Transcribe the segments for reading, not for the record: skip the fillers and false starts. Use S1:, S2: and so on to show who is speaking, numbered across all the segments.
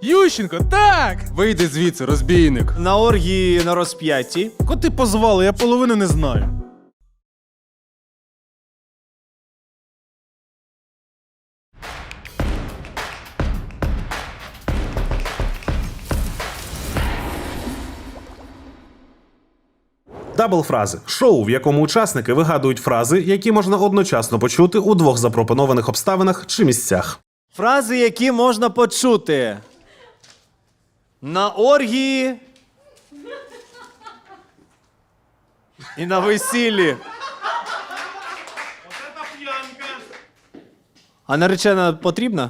S1: Ющенко, так!
S2: Вийди звідси, розбійник.
S3: На оргії на розп'ятті.
S4: Коти позвали, я половину не знаю.
S5: Дабл-фрази – шоу, в якому учасники вигадують фрази, які можна одночасно почути у двох запропонованих обставинах чи місцях.
S3: Фрази, які можна почути. На оргії. І на весіллі. А наречена потрібна?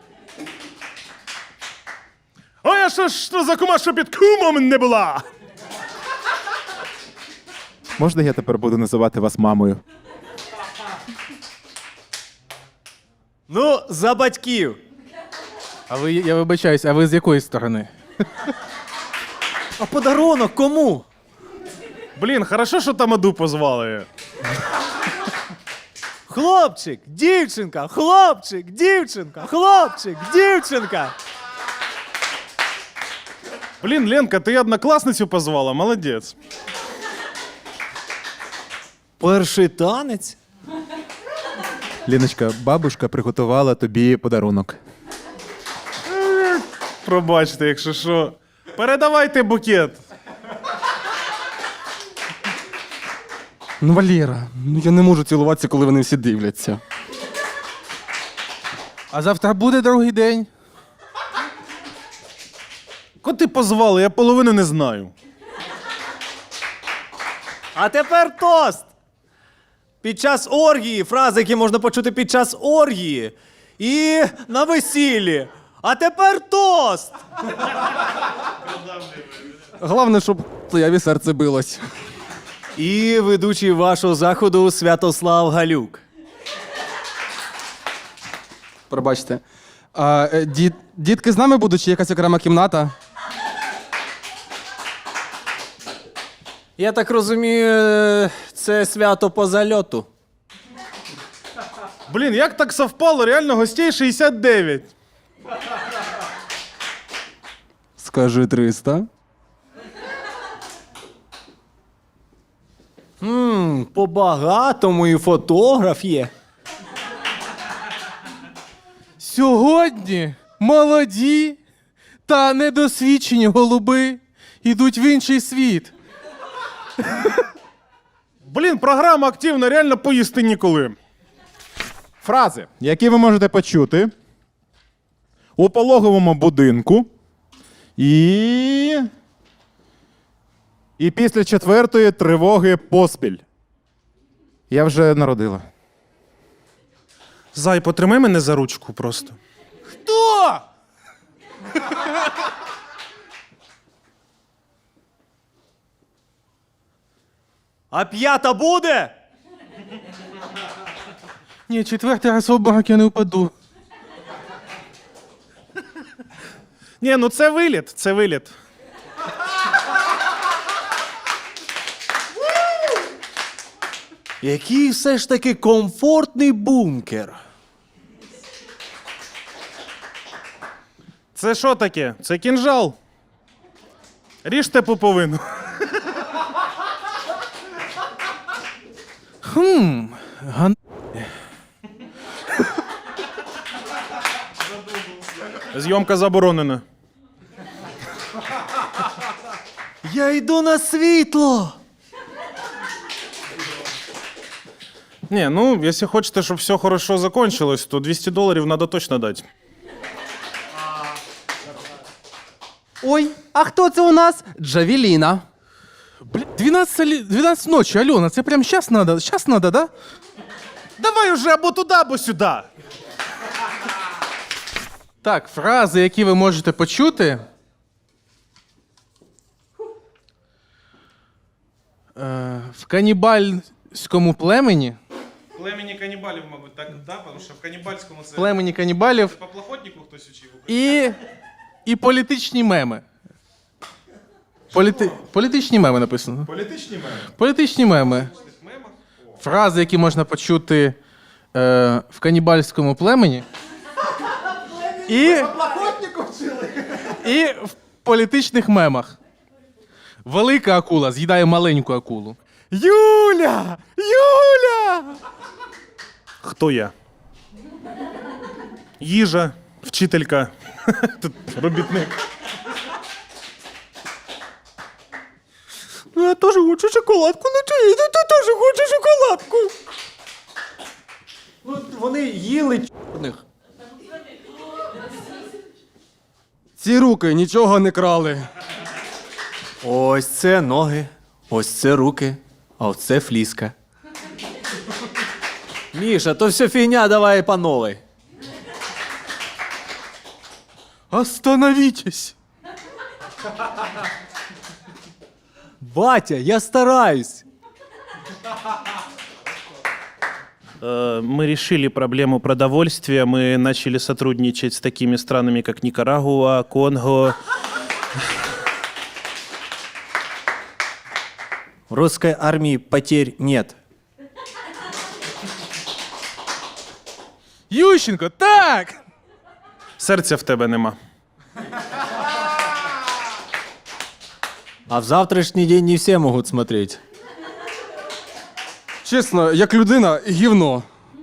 S4: А я що за кума, що під кумом не була?
S6: Можна я тепер буду називати вас мамою?
S3: Ну, за батьків.
S1: А ви, я вибачаюсь, а ви з якої сторони?
S3: А подарунок кому?
S4: Блін, хорошо, що тамаду позвали.
S3: Хлопчик, дівчинка, хлопчик, дівчинка, хлопчик, дівчинка.
S4: Блін, Ленка, ти однокласницю позвала, молодець.
S3: Перший танець?
S6: Ліночка, бабушка приготувала тобі подарунок.
S4: Пробачте, якщо що. Передавайте букет.
S2: Ну, Валера, ну я не можу цілуватися, коли вони всі дивляться.
S1: А завтра буде другий день.
S4: Коти позвали, я половину не знаю.
S3: А тепер тост. Під час оргії, фрази, які можна почути під час оргії. І на весіллі. А тепер тост.
S2: Головне, щоб твоє серце билось.
S3: І ведучий вашого заходу Святослав Галюк.
S2: Пробачте. А, дітки з нами будуть чи якась окрема кімната?
S3: Я так розумію, це свято по зальоту.
S4: Блін, як так совпало, реально гостей 69.
S2: Скажи 300.
S3: По-багатому і фотограф є.
S1: Сьогодні молоді та недосвідчені голуби йдуть в інший світ.
S4: Блін, програма активна, реально поїсти ніколи.
S6: Фрази, які ви можете почути у пологовому будинку і після 4-ї тривоги поспіль. Я вже народила.
S4: Зай, потримай мене за ручку просто.
S1: Хто?
S3: А п'ята буде?
S1: Ні, четвертий раз в обморок я не впаду.
S4: Ні, ну це виліт, це виліт.
S3: Який все ж таки комфортний бункер.
S4: Це що таке? Це кінжал. Ріжте пуповину. Зйомка заборонена.
S3: Я йду на світло.
S4: Ні, ну, якщо хочете, щоб все хорошо закончилось, то $200 треба точно дати.
S2: Ой, а хто це у нас? Джавеліна.
S1: Блін, 12 ночі, Альона, це прям щас надо? Щас надо, да?
S4: Давай уже або туди, або сюди.
S1: Так, фрази, які ви можете почути. В канібальському племені.
S4: Племені канібалів, мабуть, так, да? Тому що в канібальському це...
S1: Племені канібалів
S4: По плохотнику хтось учив.
S1: і політичні меми. Політичні меми написано.
S4: Політичні меми?
S1: Політичні меми. Фрази, які можна почути в канібальському племені. І І в політичних мемах. Велика акула з'їдає маленьку акулу.
S6: Юля! Юля!
S4: Хто я? Їжа, вчителька, тут робітник.
S3: Ну, я теж хочу шоколадку, ну чи ти теж хочеш шоколадку. Ну, вони їли чорних.
S2: Ці руки нічого не крали.
S3: Ось це ноги, ось це руки, а ось це фліска. Міша, то все фігня, давай по новой.
S1: Остановітесь!
S3: Батя, я стараюсь.
S4: Мы решили проблему продовольствия. Мы начали сотрудничать с такими странами, как Никарагуа, Конго.
S3: В русской армии потерь нет.
S1: Ющенко, так!
S4: Серця в тебе нема.
S3: А в завтрашний день не все могут смотреть.
S2: Чесно, як людина, гівно.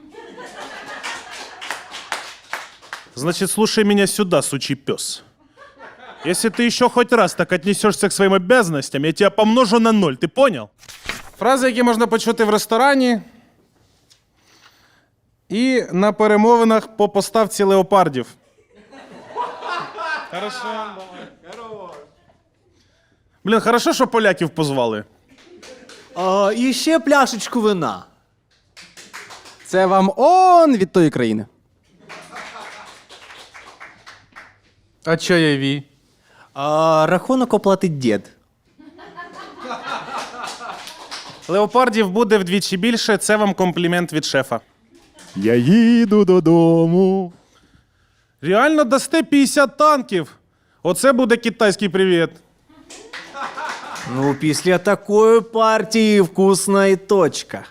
S4: Значит, слушай меня сюда, сучий пес. Если ты еще хоть раз так отнесешься к своим обязанностям, я тебя помножу на 0, ты понял?
S1: Фрази, які можна почути в ресторані.
S4: І на перемовинах по поставці леопардів. Хорошо. Блін, хорошо, що поляків позвали.
S3: І ще пляшечку вина.
S2: Це вам он від тої країни.
S1: А чайові?
S3: Рахунок оплатить дід.
S4: Леопардів буде вдвічі більше, це вам комплімент від шефа.
S6: Я їду додому.
S4: Реально дасте 50 танків? Оце буде китайський привіт.
S3: Ну, після такої партії вкусна і точка.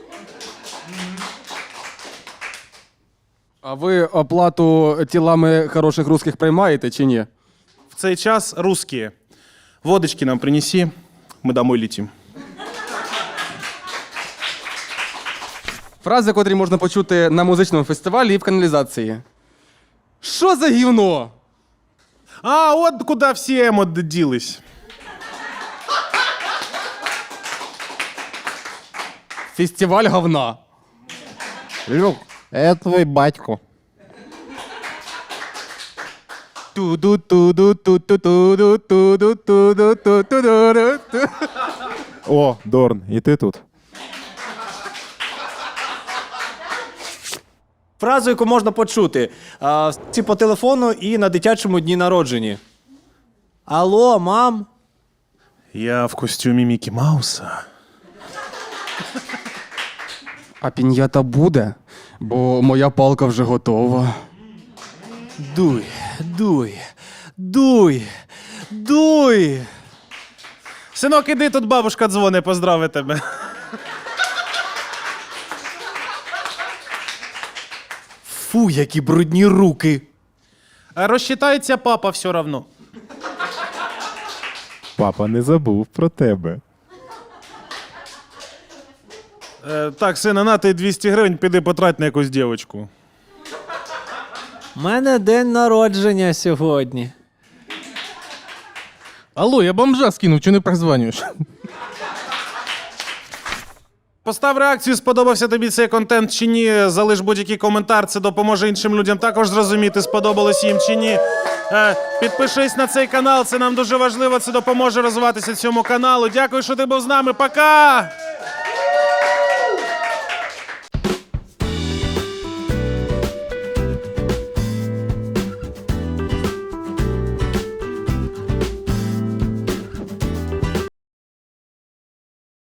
S2: А ви оплату тілами хороших русських приймаєте чи ні?
S4: В цей час русські. Водочки нам принеси, ми домой летим.
S2: Фрази, котрі можна почути на музичному фестивалі і в каналізації. Що за гівно?
S4: А, от куди всі емо ділись.
S2: Фестиваль говна.
S6: Люк, це твій батько.
S2: Ту-ду-ту-ду-ту-ту-ду-ту-ду-ту-ду-ту-ду-ту.
S6: О, Дорн, і ти тут.
S3: Фразу, яку можна почути по телефону і на дитячому дні народженні. Алло, мам?
S4: Я в костюмі Мікі Мауса.
S2: А піньята буде, бо моя палка вже готова.
S3: Дуй, дуй, дуй, дуй.
S4: Синок, іди, тут бабушка дзвони, поздрави тебе.
S3: Фу, які брудні руки.
S4: Розчитається папа все равно.
S6: Папа не забув про тебе.
S4: Так, сина, на ти 200 гривень, піди потрать на якусь дівочку.
S3: У мене день народження сьогодні.
S1: Алло, я бомжа скинув, чого не прозванюєш?
S4: Постав реакцію, сподобався тобі цей контент чи ні. Залиш будь-який коментар, це допоможе іншим людям також зрозуміти, сподобалось їм чи ні. Підпишись на цей канал, це нам дуже важливо, це допоможе розвиватися цьому каналу. Дякую, що ти був з нами. Пока!